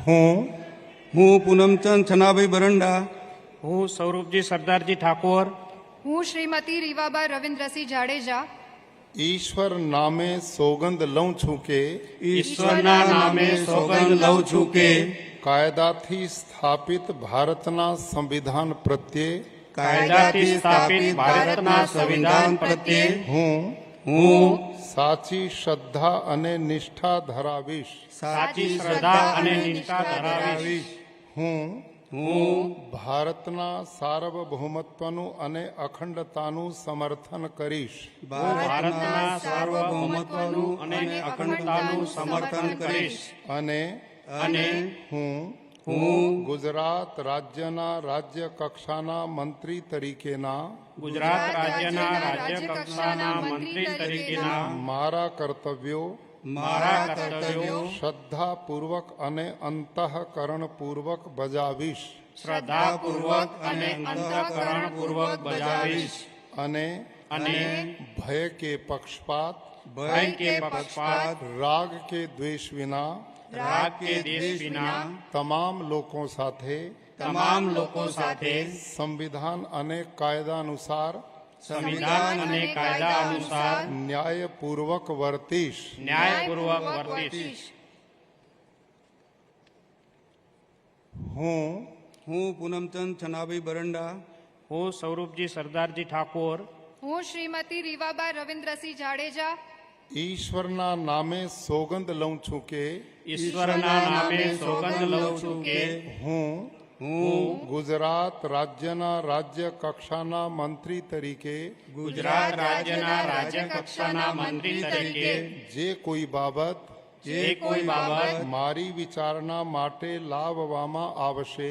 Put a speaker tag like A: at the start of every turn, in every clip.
A: હું પૂનમચંદ છનાભાઈ બરંડા,
B: હું સ્વરૂપજી સરદારજી ઠાકોર,
C: હું શ્રીમતી રીવાબા રવિન્દ્રસિંહ જાડેજા
D: ઈશ્વર નામે સોગંદ લઉં છું કે
A: ઈશ્વરના નામે સોગંદ લઉં છું કે
D: કાયદાથી સ્થાપિત ભારતના સંવિધાન પ્રત્યે
B: કાયદાથી સ્થાપિત ભારતના સંવિધાન પ્રત્યે
A: હું
D: સાચી શ્રદ્ધા અને નિષ્ઠા ધરાવીશ.
B: સાચી શ્રદ્ધા અને નિષ્ઠા ધરાવીશ.
D: હું
A: હું
D: ભારતના સાર્વભૌમત્વનું અને અખંડતાનું સમર્થન કરીશ.
A: ભારતના સાર્વભૌમત્વનું અને અખંડતાનું સમર્થન કરીશ
D: અને હું ગુજરાત રાજ્યના રાજ્ય કક્ષાના મંત્રી તરીકેના
B: ગુજરાત રાજ્યના રાજ્ય કક્ષાના મંત્રી તરીકેના
D: મારા કર્તવ્યો શ્રદ્ધાપૂર્વક અને અંતઃકરણપૂર્વક બજાવીશ.
B: શ્રદ્ધાપૂર્વક અને અંતઃકરણપૂર્વક બજાવીશ.
D: અને ભય કે પક્ષપાત રાગ કે દ્વેષ વિના તમામ લોકો સાથે સંવિધાન અને કાયદા અનુસાર ન્યાયપૂર્વક વર્તીશ. હું
A: પૂનમચંદ છનાભાઈ બરંડા,
B: હું સ્વરૂપજી સરદારજી ઠાકોર,
C: હું શ્રીમતી રીવાબા રવિન્દ્રસિંહ જાડેજા
D: ઈશ્વરના નામે સોગંદ લઉં છું કે
B: ઈશ્વરના નામે સોગંદ લઉં છું કે
D: હું ગુજરાત રાજ્યના રાજ્ય કક્ષાના મંત્રી તરીકે
B: ગુજરાત રાજ્યના રાજ્ય કક્ષાના મંત્રી તરીકે
D: જે કોઈ બાબત મારી વિચારણા માટે લાવવામાં આવશે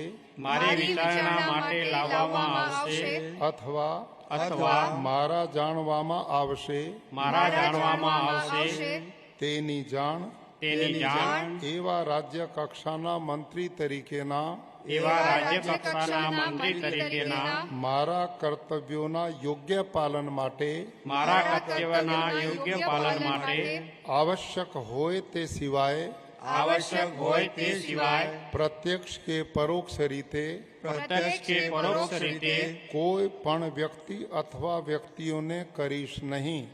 D: અથવા મારા જાણવામાં આવશે તેની જાણ એવા રાજ્ય કક્ષાના મંત્રી તરીકેના મારા કર્તવ્યોના યોગ્ય પાલન માટે આવશ્યક હોય તે સિવાય પ્રત્યક્ષ કે પરોક્ષ રીતે કોઈ પણ વ્યક્તિ અથવા વ્યક્તિઓને કરીશ નહીં.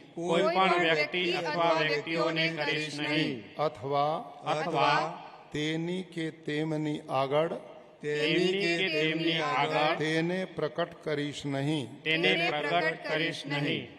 D: અથવા તેની કે તેમની આગળ તેને પ્રકટ કરીશ નહીં.